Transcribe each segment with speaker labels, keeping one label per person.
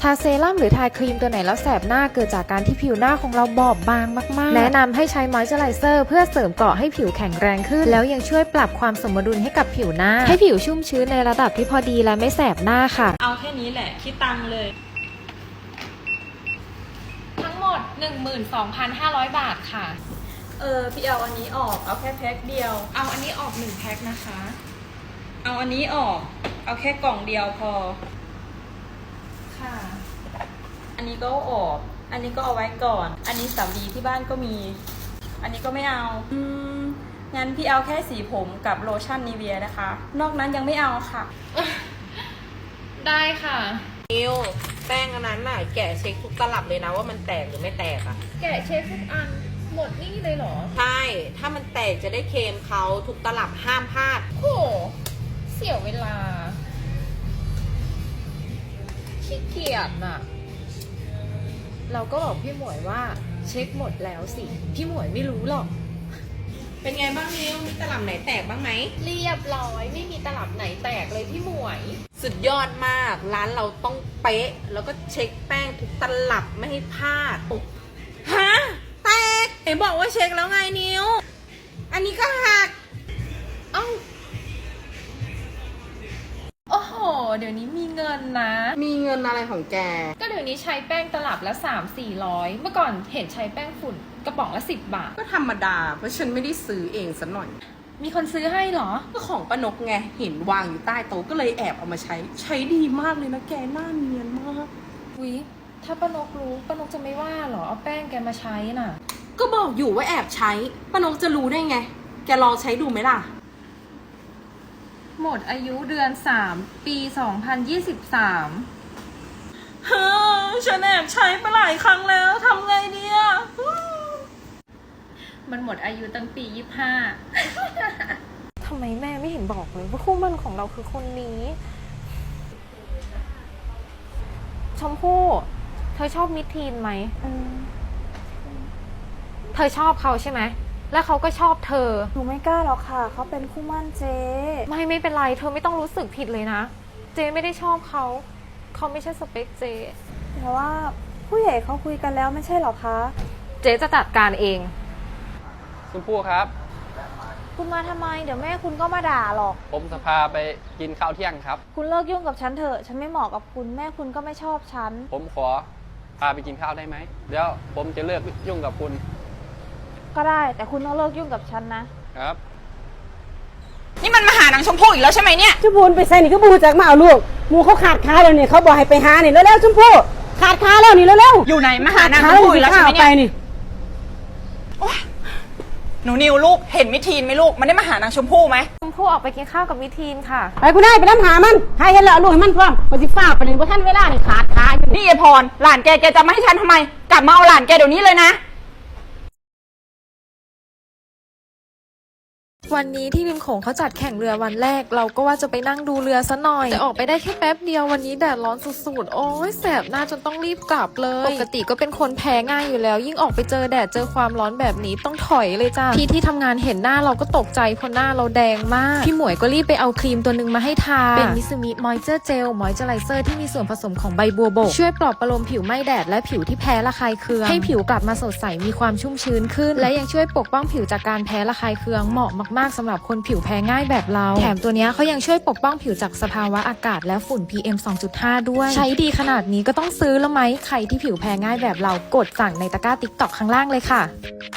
Speaker 1: ทาเซรั่มหรือทาครีมตัวไหนแล้วแสบหน้าเกิดจากการที่ผิวหน้าของเราบอบบางมากๆแนะนำให้ใช้มอยส์เจอไรเซอร์เพื่อเสริมเกราะให้ผิวแข็งแรงขึ้นแล้วยังช่วยปรับความสมดุลให้กับผิวหน้าให้ผิวชุ่มชื้นในระดับที่พอดีและไม่แสบหน้าค่ะ
Speaker 2: เอาแค่นี้แหละคิดตังค์เลย
Speaker 1: ทั้งหมด 12,500 บาทค่ะ
Speaker 2: พี่เอาอันนี้ออกเอาแค่แพ็คเดียว
Speaker 1: เอาอันนี้ออก1แพ็คนะคะ
Speaker 2: เอาอันนี้ออกเอาแค่กล่องเดียวพอ
Speaker 1: ค่ะ
Speaker 2: อันนี้ก็ออกอันนี้ก็เอาไว้ก่อนอันนี้สำลีที่บ้านก็มีอันนี้ก็ไม่เอางั้นพี่เอาแค่สีผมกับโลชั่นนีเวียนะคะนอกนั้นยังไม่เอาค่ะ
Speaker 1: ได้ค่ะ
Speaker 3: นิวแป้งอันนั้นน่ะแกะเช็คทุกตลับเลยนะว่ามันแตกหรือไม่แตกอ่ะ
Speaker 1: แกะเช็คทุกอันหมดนี่เลยเหรอ
Speaker 3: ใช่ถ้ามันแตกจะได้เคลมเขาทุกตลับห้ามพลาด
Speaker 1: โหเสียเวลาขี้เกียจน่ะเราก็บอกพี่หมวยว่าเช็คหมดแล้วสิพี่หมวยไม่รู้หรอก
Speaker 3: เป็นไงบ้างนิวมีตลับไหนแตกบ้างไหม
Speaker 1: เรียบร้อยไม่มีตลับไหนแตกเลยพี่หมวย
Speaker 3: สุดยอดมากร้านเราต้องเป๊ะแล้วก็เช็คแป้งทุกตลับไม่ให้พลาดฮะแตกเห็นบอกว่าเช็คแล้วไงนิวอันนี้ก็หัก
Speaker 1: เอ้าโอ้โหเดี๋ยวนี้มีเงินนะ
Speaker 3: มีเงินอะไรของแก
Speaker 1: ก็เดี๋ยวนี้ใช้แป้งตลับละ300-400เมื่อก่อนเห็นใช้แป้งฝุ่นกระป๋องละ10 บาท
Speaker 3: ก็ธรรมดาเพราะฉันไม่ได้ซื้อเองซะหน่อย
Speaker 1: มีคนซื้อให้เหรอ
Speaker 3: ก็ของป้านกไงเห็นวางอยู่ใต้โต๊ะก็เลยแอบเอามาใช้ดีมากเลยนะแกหน้าเนียนมาก
Speaker 1: อุ๊ยถ้าป้านกรู้ป้านกจะไม่ว่าเหรอเอาแป้งแกมาใช้น่ะ
Speaker 3: ก็บอกอยู่ว่าแอบใช้ป้านกจะรู้ได้ไงแกลองใช้ดูไหมล่ะ
Speaker 1: หมดอายุเดือน3ปี2023
Speaker 3: ฉันแอบใช้ไปหลายครั้งแล้วทำไงดีอะ
Speaker 1: มันหมดอายุตั้งปี25ทำไมแม่ไม่เห็นบอกเลยว่าคู่มั่นของเราคือคนนี้ชมพู่เธอชอบมิทีนไหมเธอชอบเขาใช่ไหมแล้วเขาก็ชอบเธอ
Speaker 4: หนูไม่กล้าหรอกค่ะเขาเป็นคู่มั่นเจ๊
Speaker 1: ไม่เป็นไรเธอไม่ต้องรู้สึกผิดเลยนะเจ๊ไม่ได้ชอบเขาไม่ใช่สเปคเจ๊
Speaker 4: แต่ว่าผู้ใหญ่เขาคุยกันแล้วไม่ใช่หรอคะ
Speaker 1: เจ๊จะจัดการเอง
Speaker 5: ชมพู่ครับ
Speaker 4: คุณมาทำไมเดี๋ยวแม่คุณก็มาด่าหรอก
Speaker 5: ผมจะพาไปกินข้าวเที่ยงครับ
Speaker 4: คุณเลิกยุ่งกับฉันเถอะฉันไม่เหมาะกับคุณแม่คุณก็ไม่ชอบฉัน
Speaker 5: ผมขอพาไปกินข้าวได้ไหมเดี๋ยวผมจะเลิกยุ่งกับคุณ
Speaker 4: ก็ได้แต่คุณต้องเลิกยุ่งกับฉัน
Speaker 5: นะครับ
Speaker 2: นี่มันมาหานางชมพู่อีกแล้วใช่ไหมเนี่ย
Speaker 6: ชมพู่ไปใส่นี่ก็บูจากมาเอาลูกมูเขาขาดค้าแล้วนี่เขาบอกให้ไปหานี่แล้วชมพู่ขาดค้าแล้วนี่แล้ว
Speaker 2: อยู่ไหนมาหานางชมพู่อีกแล้วใช่ไหมเนี่ยหนูนิวลูกเห็นมิทีนไหมลูกมันได้มาหานางชมพู่ไหม
Speaker 1: ชมพู่ออกไปกินข้าวกับมิทีนค่ะ
Speaker 6: ไปกูได้ไปน้ำหามันให้เห็นแล้วลูกให้มันพร้อมไปสิฟ้าไปเลยว่าท่านเวลานี่ขาดค้า
Speaker 2: นี่ยายพรหลานแกจะมาให้ฉันทำไมกลับมาเอาหลานแกเดี๋ยวนี้เลยนะ
Speaker 1: วันนี้ที่ริมโขงเขาจัดแข่งเรือวันแรกเราก็ว่าจะไปนั่งดูเรือซะหน่อยแต่ออกไปได้แค่แป๊บเดียววันนี้แดดร้อนสุดๆโอ้ยแสบหน้าจนต้องรีบกลับเลยปกติก็เป็นคนแพ้ง่ายอยู่แล้วยิ่งออกไปเจอแดดเจอความร้อนแบบนี้ต้องถอยเลยจ้าพี่ที่ทำงานเห็นหน้าเราก็ตกใจเพราะหน้าเราแดงมากพี่หมวยก็รีบไปเอาครีมตัวนึงมาให้ทาเป็นมิซูมิมอยเจอร์เจลมอยเจอไรเซอร์ที่มีส่วนผสมของใบบัวบกช่วยปลอบประโลมผิวไม่แดดและผิวที่แพ้ระคายเคืองให้ผิวกลับมาสดใสมีความชุ่มชื้นขึ้นและยังช่วยปกป้องผิวจากการแพ้ระคายเคืองเหมาะมากๆสำหรับคนผิวแพ้ง่ายแบบเราแถมตัวนี้เขายังช่วยปกป้องผิวจากสภาวะอากาศและฝุ่น PM 2.5 ด้วยใช้ดีขนาดนี้ก็ต้องซื้อแล้วไหมใครที่ผิวแพ้ง่ายแบบเรากดสั่งในตะกร้า TikTok ข้างล่างเลยค่ะ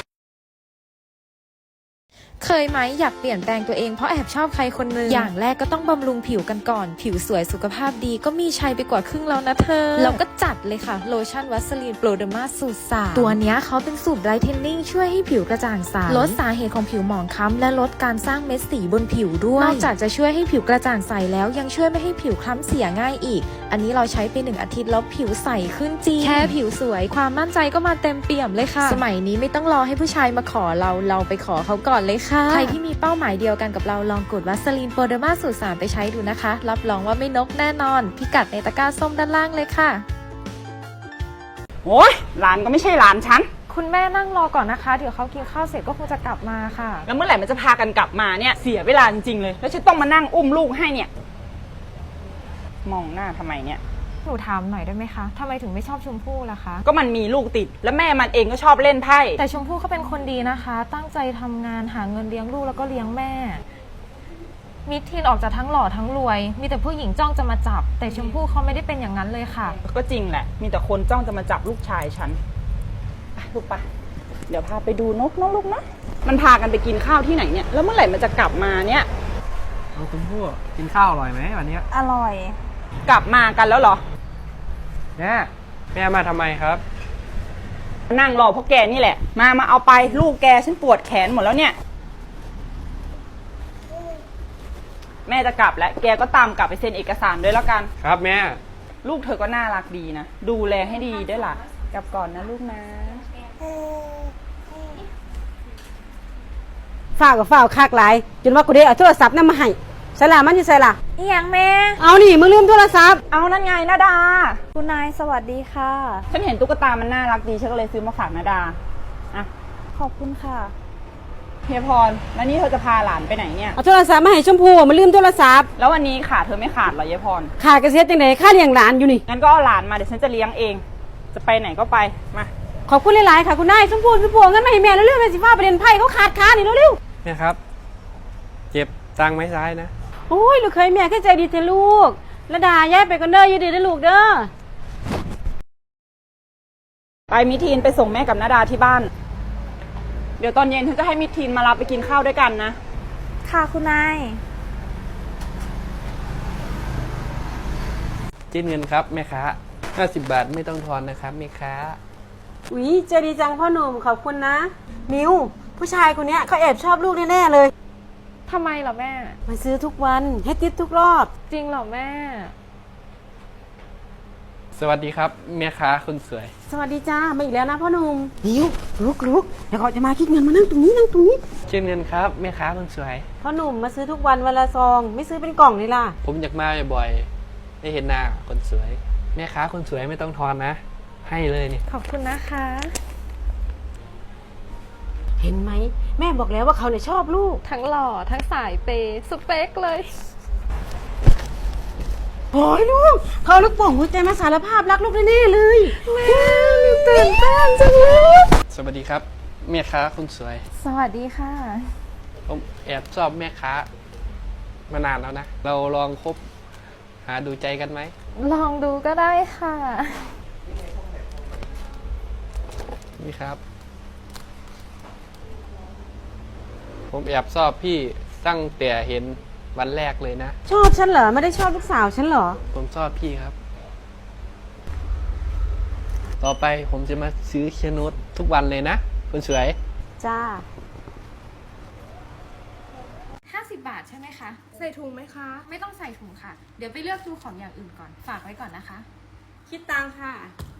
Speaker 1: เคยไหมอยากเปลี่ยนแปลงตัวเองเพราะแอบชอบใครคนนึงอย่างแรกก็ต้องบำรุงผิวกันก่อนผิวสวยสุขภาพดีก็มีชัยไปกว่าครึ่งแล้วนะเธอเราก็จัดเลยค่ะโลชั่นวัสลีนโปรเดอร์มาสูตร3ตัวนี้เขาเป็นสูตรไบรท์เทนนิ่งช่วยให้ผิวกระจ่างใสลดสาเหตุของผิวหมองคล้ำและลดการสร้างเม็ดสีบนผิวด้วยนอกจากจะช่วยให้ผิวกระจ่างใสแล้วยังช่วยไม่ให้ผิวคล้ำเสียง่ายอีกอันนี้เราใช้ไป1 อาทิตย์แล้วผิวใสขึ้นจริงแค่ผิวสวยความมั่นใจก็มาเต็มเปี่ยมเลยค่ะสมัยนี้ไม่ต้องรอให้ผู้ชายมาขอเราไปขอเขาก่อนเลยค่ะใครที่มีเป้าหมายเดียวกันกับเราลองกดวัสลีนโปรเดอร์มาสูตร3ไปใช้ดูนะคะรับรองว่าไม่นกแน่นอนพิกัดในตะกร้าส้มด้านล่างเลยค่ะ
Speaker 2: โอ้ยหลานก็ไม่ใช่หลานฉัน
Speaker 1: คุณแม่นั่งรอก่อนนะคะเดี๋ยวเขากินข้าวเสร็จก็คงจะกลับมาค่ะ
Speaker 2: แล้วเมื่อไหร่มันจะพากันกลับมาเนี่ยเสียเวลาจริงๆเลยแล้วฉันต้องมานั่งอุ้มลูกให้เนี่ยมองหน้าทำไมเนี่ย
Speaker 4: หนูถามหน่อยได้ไหมคะทำไมถึงไม่ชอบชมพู่ล่ะคะ
Speaker 3: ก็มันมีลูกติด แล้วแม่มันเองก็ชอบเล่นไพ่
Speaker 4: แต่ชมพู่เขาเป็นคนดีนะคะ ตั้งใจทำงานหาเงินเลี้ยงลูกแล้วก็เลี้ยงแม่ มิทีนออกจากทั้งหล่อทั้งรวย มีแต่ผู้หญิงจ้องจะมาจับ แต่ชมพู่เขาไม่ได้เป็นอย่างนั้นเลยค่ะ
Speaker 3: ก็จริงแหละ มีแต่คนจ้องจะมาจับลูกชายฉันไปลูกปะเดี๋ยวพาไปดูนกนะลูกนะ มันพากันไปกินข้าวที่ไหนเนี่ย แล้วเมื่อไหร่มันจะกลับมาเนี่ย
Speaker 5: เอาคุณพู่กินข้าวอร่อยไหมวันนี้
Speaker 4: อร่อย
Speaker 3: กลับมากันแล้วเหรอ
Speaker 5: แม่มาทำไมครับ
Speaker 3: นั่งรอพวกแกนี่แหละ มาเอาไปลูกแกฉันปวดแขนหมดแล้วเนี่ย แม่จะกลับแล้ว แกก็ตามกลับไปเซ็นเอกสารด้วยแล้วกัน
Speaker 5: ครับแม่
Speaker 3: ลูกเธอก็น่ารักดีนะ ดูแลให้ดีด้วยล่ะ กลับก่อนนะลูกนะ
Speaker 6: ฝ้าวกับฝ้าวคากหลายจนว่ากูได้เอาโทรศัพท์นั่นมาให้ใส่ละมันอยู่ใส่ละ
Speaker 4: อีหยังแม่
Speaker 6: เอานี่มึงลืมโทรศัพท์
Speaker 3: เอานั่นไงนาดา
Speaker 4: คุณนายสวัสดีค่ะ
Speaker 3: ฉันเห็นตุ๊กตามันน่ารักดี ฉันก็เลยซื้อมาฝากนาดา อ่ะ
Speaker 4: ขอบคุณค่ะ
Speaker 3: เฮียพร แล้วนี่เธอจะพาหลานไปไหนเนี่ย
Speaker 6: เอาโทรศัพท์มาให้ชมพู่มันลืมโทรศัพท์
Speaker 3: แล้ววันนี้ขาเธอไม่ขาดเหรอเฮียพร
Speaker 6: ขาดกระเสียจังไดค่าเลี้ยงหลานอยู่นี่
Speaker 3: งั้นก็เอาหลานมาเดี๋ยวฉันจะเลี้ยงเอง จะไปไหนก็ไป มา
Speaker 6: ขอบคุณหลายๆค่ะคุณนายชมพู่เอาเงินมาให้แม่เร็วๆแม่สิฟ้าประเด็นไพ่เขาขาดค้านี่เร็ว
Speaker 5: แม่ครับ เจ็บตังค์ไหมซ้ายนะ
Speaker 6: ๆโอ้ยลูกเคยแม่แค่ใจดีเถอะลูกระดาย้ายไปกันเด้ออยู่ดีเด้อลูกเด้อ
Speaker 3: ไปมิทีนไปส่งแม่กับนาดาที่บ้าน เดี๋ยวตอนเย็นฉันจะให้มิทีนมารับไปกินข้าวด้วยกันนะ
Speaker 4: ค่ะคุณนาย
Speaker 5: จิ้นเงินครับแม่ค้า50 บาทไม่ต้องทอนนะครับแม่ค้า
Speaker 6: อุ๊ยใจดีจังพ่อหนุ่มขอบคุณนะมิวผู้ชายคนเนี้ยเขาแอบชอบลูกแน่ๆเลย
Speaker 1: ทำไมเหรอแม่
Speaker 6: มาซื้อทุกวันให้ติดทุกรอบ
Speaker 1: จริงเหรอแม่
Speaker 5: สวัสดีครับแม่ค้าคนสวย
Speaker 6: สวัสดีจ้ามาอีกแล้วนะพ่อหนุ่มมิวลุกเดี๋ยวเขาจะมาคิดเงินมานั่งตรงนี้นั่งตรงนี้
Speaker 5: จิ้นเงินครับแม่ค้าคนสวย
Speaker 6: พ่อหนุ่มมาซื้อทุกวันวันละซองไม่ซื้อเป็นกล่องเลยล่ะ
Speaker 5: ผมอยากมาบ่อยๆได้เห็นหน้าคนสวย แม่ค้าคนสวยไม่ต้องทอนนะ ให้เลยนี่
Speaker 1: ขอบคุณนะคะ
Speaker 6: เห็นไหมแม่บอกแล้วว่าเขาเนี่ยชอบลูก
Speaker 1: ทั้งหล่อทั้งสายเปย์สเปคเลย
Speaker 6: โอ้ยลูกเขาลูกโป่งหัวใจมาสารภาพรักลูกแน่ๆเลย
Speaker 1: แม่หนูตื่นเต้นจังเลย
Speaker 5: สวัสดีครับแม่ค้าคนสวย
Speaker 1: สวัสดีค่ะ
Speaker 5: ผมแอบชอบแม่ค้ามานานแล้วนะ เราลองคบหาดูใจกันไหม
Speaker 1: ลองดูก็ได้ค่ะ
Speaker 5: นี่ครับ ผมแอบชอบพี่ตั้งแต่เห็นวันแรกเลยนะ
Speaker 6: ชอบฉันเหรอไม่ได้ชอบลูกสาวฉันเหรอ
Speaker 5: ผมชอบพี่ครับ ต่อไปผมจะมาซื้อเคียนุสทุกวันเลยนะคนสวย
Speaker 6: จ้า
Speaker 1: 50 บาทใช่ไหมคะ ใส่ถุงไหมคะ ไม่ต้องใส่ถุงค่ะ เดี๋ยวไปเลือกดูของอย่างอื่นก่อน ฝากไว้ก่อนนะคะ
Speaker 6: คิดตังค่ะ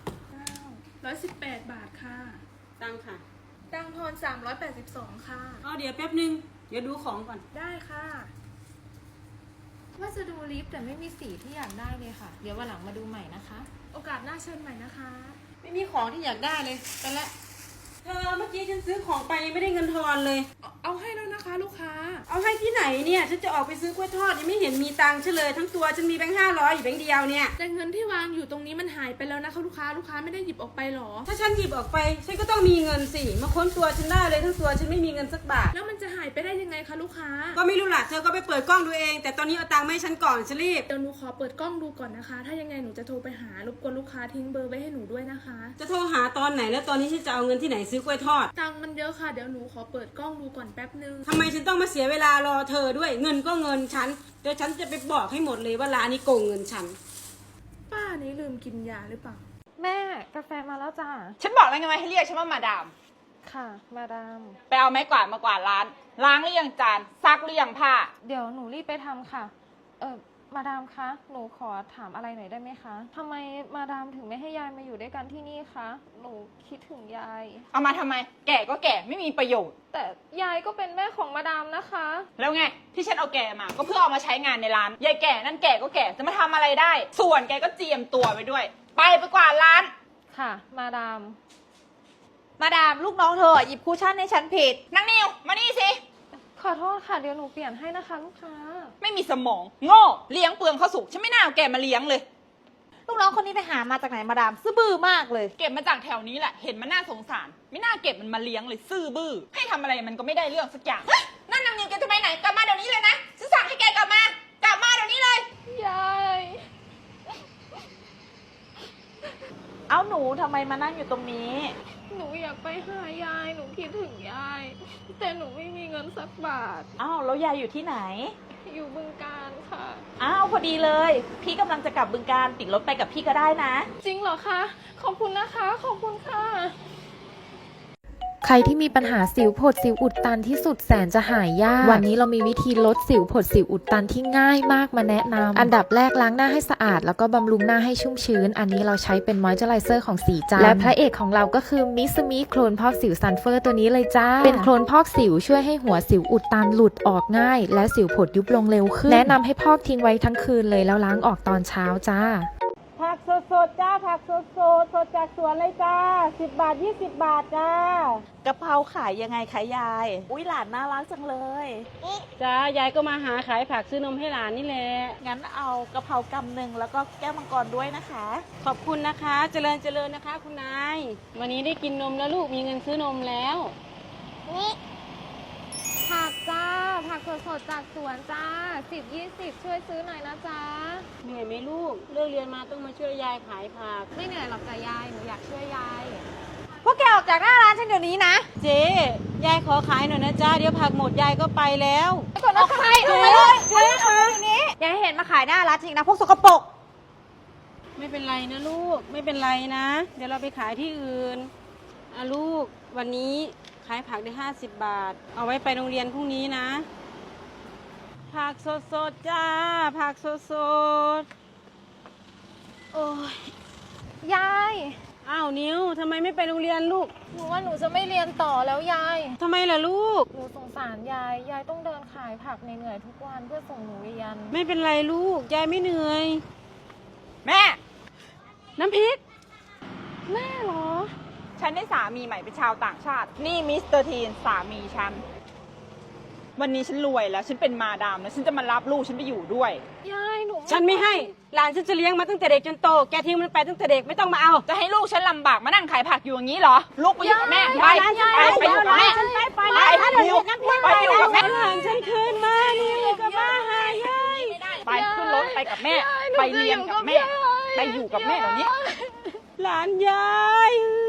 Speaker 1: 118 บาทค่ะ
Speaker 6: ตังค่ะ
Speaker 1: ตังทอน382 ค่ะ
Speaker 6: อ๋อเดี๋ยวแป๊บนึงเดี๋ยวดูของก่อน
Speaker 1: ได้ค่ะ ว่าจะดูลิปแต่ไม่มีสีที่อยากได้เลยค่ะ เดี๋ยววันหลังมาดูใหม่นะคะ โอกาสหน้าเชิญใหม่นะคะ
Speaker 6: ไม่มีของที่อยากได้เลยไปละเธอเมื่อกี้ฉันซื้อของไปยังไม่ได้เงินทอนเลย
Speaker 1: เอาให้แล้วนะคะลูกค้า
Speaker 6: เอาให้ที่ไหนเนี่ยฉันจะออกไปซื้อกล้วยทอดยังไม่เห็นมีตังค์ฉันเลยทั้งตัวฉันมีแบงค์500อยู่แบงค์เดียวเนี่ย
Speaker 7: แต่เงินที่วางอยู่ตรงนี้มันหายไปแล้วนะคะลูกค้าไม่ได้หยิบออกไปหรอ
Speaker 6: ถ้าฉันหยิบออกไปฉันก็ต้องมีเงินสิมาค้นตัวฉันได้เลยทั้งตัวฉันไม่มีเงินสักบาท
Speaker 7: แล้วมันจะหายไปได้ยังไงคะลูกค้า
Speaker 6: ก็ไม่รู้ล่ะเธอก็ไปเปิดกล้องดูเอง แต่ตอนนี้เอาตังค์มาให้ฉันก่อนฉันรีบ
Speaker 7: เดี๋ยวหนูขอเปิดกล้องดูก่อนนะคะ ถ้ายังไงหนูจะโทรไปหารบกวนลูกค้าทิ้งเบอร์ไว้ให้หนูด้วยนะคะ
Speaker 6: จะโทรหาตอนไหนแล้วตอนนี้ฉันจะเอาเงินที่ไหนซื้อกล้วยทอด
Speaker 7: ตังค์มันเยอะค่ะเดี๋ยวหนูขอเปิดกล้องดูก่อนแป๊บนึง
Speaker 6: ทำไมฉันต้องมาเสียเวลารอเธอด้วยเงินก็เงินฉันเดี๋ยวฉันจะไปบอกให้หมดเลยว่าร้านนี้โกงเงินฉัน
Speaker 7: ป้านี้ลืมกินยาหรือเปล่า
Speaker 1: แม่กาแฟมาแล้วจ้า
Speaker 3: ฉันบอกแล้วไงว่าให้เรียกฉันว่ามาดาม
Speaker 1: ค่ะ มาดาม
Speaker 3: ไปเอาไม้กวาดมากวาดร้าน ล้างหรือยังจาน ซักหรือยังผ้า
Speaker 1: เดี๋ยวหนูรีบไปทำค่ะ มาดามคะ หนูขอถามอะไรหน่อยได้ไหมคะทำไมมาดามถึงไม่ให้ยายมาอยู่ด้วยกันที่นี่คะ หนูคิดถึงยาย
Speaker 3: เอามาทำไม แก่ก็แก่ไม่มีประโยชน์
Speaker 1: แต่ยายก็เป็นแม่ของมาดามนะคะ
Speaker 3: แล้วไงที่ฉันเอาแกมา ก็เพื่อเอามาใช้งานในร้าน ยายแก่นั่นแก่ก็แก่จะมาทำอะไรได้ ส่วนแกก็เจียมตัวไปด้วย ไปกวาดร้าน
Speaker 1: ค่ะ มาดาม
Speaker 4: มาดามลูกน้องเธอหยิบคูชั่นให้ฉันผิด
Speaker 3: นางนิวมานี่สิ
Speaker 1: ขอโทษค่ะ เดี๋ยวหนูเปลี่ยนให้นะคะลูกค้า
Speaker 3: ไม่มีสมอง โง่เลี้ยงเปลืองข้าวสุกฉันไม่น่าเอาแกมาเลี้ยงเลย
Speaker 8: ลูกน้องคนนี้ไปหามาจากไหนมาดามซื่อบื้อมากเลย
Speaker 2: เก็บมาจากแถวนี้แหละ เห็นมันน่าสงสาร ไม่น่าเก็บมันมาเลี้ยงเลยซื่อบื้อ ให้ทำอะไรมันก็ไม่ได้เรื่องสักอย่าง
Speaker 3: นั่นนางนิวแกจะไปไหนกลับมาเดี๋ยวนี้เลยนะฉันสั่งให้แกกลับมา กลับมาเดี๋ยวนี้เลย
Speaker 1: ยาย
Speaker 8: เอาหนูทำไมมานั่งอยู่ตรงนี้
Speaker 1: หนูอยากไปหายาย หนูคิดถึงยาย แต่หนูไม่มีเงินสักบาท
Speaker 8: อ้าวแล้วยายอยู่ที่ไหน
Speaker 1: อยู่บึงการค่ะ
Speaker 8: อ้าวพอดีเลย พี่กำลังจะกลับบึงการติดรถไปกับพี่ก็ได้นะ
Speaker 1: จริงเหรอคะ ขอบคุณนะคะ ขอบคุณค่ะ
Speaker 4: ใครที่มีปัญหาสิวผดสิวอุดตันที่สุดแสนจะหายยาก วันนี้เรามีวิธีลดสิวผดสิวอุดตันที่ง่ายมากมาแนะนำอันดับแรกล้างหน้าให้สะอาดแล้วก็บำรุงหน้าให้ชุ่มชื้น อันนี้เราใช้เป็นมอยเจอไรเซอร์ของสีจันทร์และพระเอกของเราก็คือมิสมิโคลนพอกสิวซันเฟอร์ตัวนี้เลยจ้า เป็นโคลนพอกสิวช่วยให้หัวสิวอุดตันหลุดออกง่าย และสิวผดยุบลงเร็วขึ้น แนะนำให้พอกทิ้งไว้ทั้งคืนเลยแล้วล้างออกตอนเช้าจ้า
Speaker 6: ผักสดๆจ้าผักสดสดจากสวนเลยจ้า10 บาท 20 บาทจ้าก
Speaker 8: ะเพราขายยังไงคะยาย อุ้ยหลานน่ารักจังเลย
Speaker 6: จ้ายายก็มาหาขายผักซื้อนมให้หลานนี่แหละ
Speaker 8: งั้นเอากะเพรากำหนึ่งแล้วก็แก้วมังกรด้วยนะคะ
Speaker 6: ขอบคุณนะคะ เจริญนะคะ คุณนาย วันนี้ได้กินนมแล้วลูกมีเงินซื้อนมแล้ว
Speaker 4: ผักจ้า ผักสดๆจากสวนจ้า 10-20 ช่วยซื้อหน่อยนะจ๊ะ
Speaker 6: เหนื่อยไหมลูกเลิกเรียนมาต้องมาช่วยยายขายผัก
Speaker 4: ไม่เหนื่อยหรอกจ้ะยาย หนูอยากช่วยยาย
Speaker 8: พวกแกออกจากหน้าร้านฉันเดี๋ยวนี้นะ
Speaker 6: เจ๊ยายขอขายหน่อยนะจ้าเดี๋ยวผักหมดยายก็ไปแล้ว
Speaker 8: ออกไปออกไปเลยเจ๊คะอย่าให้เห็นมาขายหน้าร้านจริงนะพวกสกปรก
Speaker 6: ไม่เป็นไรนะลูกไม่เป็นไรนะ เดี๋ยวเราไปขายที่อื่นลูกวันนี้ขายผักได้50 บาท เอาไว้ไปโรงเรียนพรุ่งนี้นะ ผักสดๆจ้าผักสดๆโอ้ย
Speaker 4: ยาย
Speaker 6: อ้าวนิ้วทำไมไม่ไปโรงเรียนลูก
Speaker 4: หนูว่าหนูจะไม่เรียนต่อแล้วยาย
Speaker 6: ทำไมล่ะลูก
Speaker 4: หนูสงสารยาย ยายต้องเดินขายผักเหนื่อยๆทุกวันเพื่อส่งหนูเรียน
Speaker 6: ไม่เป็นไรลูกยายไม่เหนื่อย
Speaker 2: แม่
Speaker 6: น้ำพริก
Speaker 4: แม่เหรอ
Speaker 2: ฉันได้สามีใหม่เป็นชาวต่างชาติ นี่มิสเตอร์ทีนสามีฉัน วันนี้ฉันรวยแล้ว ฉันเป็นมาดามแล้วฉันจะมารับลูกฉันไปอยู่ด้วย
Speaker 4: ยายหนู
Speaker 6: ฉันไม่ให้หลานฉันจะเลี้ยงมาตั้งแต่เด็กจนโตแกทิ้งมันไปตั้งแต่เด็กไม่ต้องมาเอา
Speaker 2: จะให้ลูกฉันลำบากมานั่งขายผักอยู่อย่างนี้เหรอ ลูกไปอยู่กับแม่ ไปไปอยู่กับแม่ ไปอยู่กับแม่
Speaker 6: หลานฉันคืนมานี่กับมาหายาย
Speaker 2: ไปขึ้นรถไปกับแม่ ไปเรียนกับแม่ ไปอยู่กับแม่เดี๋ยวนี้
Speaker 6: หลานยาย